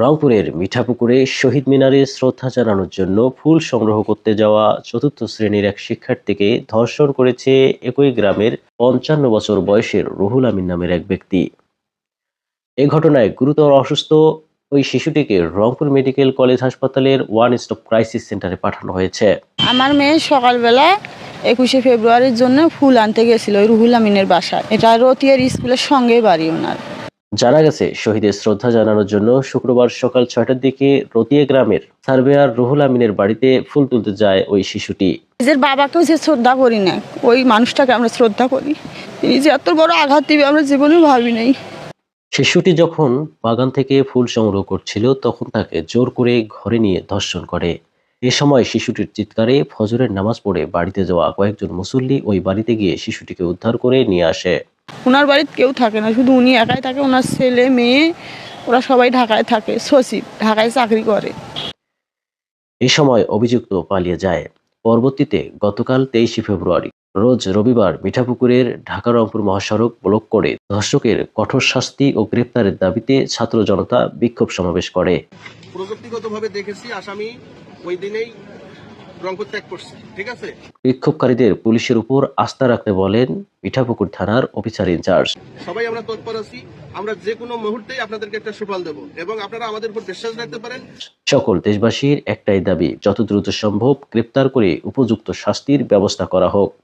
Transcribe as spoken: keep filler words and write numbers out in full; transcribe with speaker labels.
Speaker 1: রংপুরের মিঠাপুকুরে শহীদ মিনারে শ্রদ্ধা জানানোর জন্য ফুল সংগ্রহ করতে যাওয়া চতুর্থ শ্রেণীর এক শিক্ষার্থীকে ধর্ষণ করেছে একই গ্রামের পঞ্চান্ন বছর বয়সের রুহুল আমিন নামের এক ব্যক্তি। এ ঘটনায় গুরুতর অসুস্থ ওই শিশুটিকে রংপুর মেডিকেল কলেজ হাসপাতালের ওয়ান স্টপ ক্রাইসিস সেন্টারে পাঠানো হয়েছে।
Speaker 2: আমার মেয়ে সকালবেলা একুশে ফেব্রুয়ারির জন্য ফুল আনতে গেছিল ওই রুহুল আমিনের বাসায়। এটা রতিয়ার স্কুলের সঙ্গে বাড়ি ওনার।
Speaker 1: জানা গেছে, শহীদের শ্রদ্ধা জানানোর জন্য শুক্রবার সকাল ছয়টার দিকে রতিয়া গ্রামের সার্ভেয়ার রুহুল আমিনের বাড়িতে ফুল তুলতে যায় ওই শিশুটি।
Speaker 2: নিজের বাবাকেও যে শ্রদ্ধা করি না, ওই মানুষটাকে আমরা শ্রদ্ধা করি। তিনি যে এত বড় আঘাত দিবে আমরা জীবনে ভাবি নাই।
Speaker 1: শিশুটি যখন বাগান থেকে ফুল সংগ্রহ করছিল তখন তাকে জোর করে ঘরে নিয়ে ধর্ষণ করে। এ সময় শিশুটির চিৎকারে ফজরের নামাজ পড়ে বাড়িতে যাওয়া কয়েকজন মুসল্লি ওই বাড়িতে গিয়ে শিশুটিকে উদ্ধার করে নিয়ে আসে।
Speaker 2: ওনার বাড়িতে কেউ থাকে না, শুধু উনি একাই থাকে। ওনার ছেলে মেয়ে ওরা সবাই ঢাকায় থাকে, সচিব ঢাকায় চাকরি করে।
Speaker 1: এ সময় অভিযুক্ত পালিয়ে যায়। পরবর্তীতে গতকাল তেইশে ফেব্রুয়ারি রোজ রবিবার মিঠাপুকুরের ঢাকা রংপুর মহাসড়ক ব্লক করে ধর্ষকের কঠোর শাস্তি ও গ্রেপ্তারের দাবিতে ছাত্র জনতা বিক্ষোভ সমাবেশ করে।
Speaker 3: প্রযুক্তিগতভাবে দেখেছি আসামি ওই দিনেই রংপুর ত্যাগ করছে, ঠিক আছে।
Speaker 1: বিক্ষোভকারীদের পুলিশের উপর আস্থা রাখতে বলেন মিঠাপুকুর থানার অফিসার ইনচার্জ।
Speaker 3: সবাই আমরা তৎপর আছি, আমরা যে কোনো মুহূর্তেই আপনাদেরকে একটা সুফল দেব এবং আপনারা আমাদের উপর বিশ্বাস রাখতে পারেন।
Speaker 1: সকল দেশবাসীর একটাই দাবি, যত দ্রুত সম্ভব গ্রেপ্তার করে উপযুক্ত শাস্তির ব্যবস্থা করা হোক।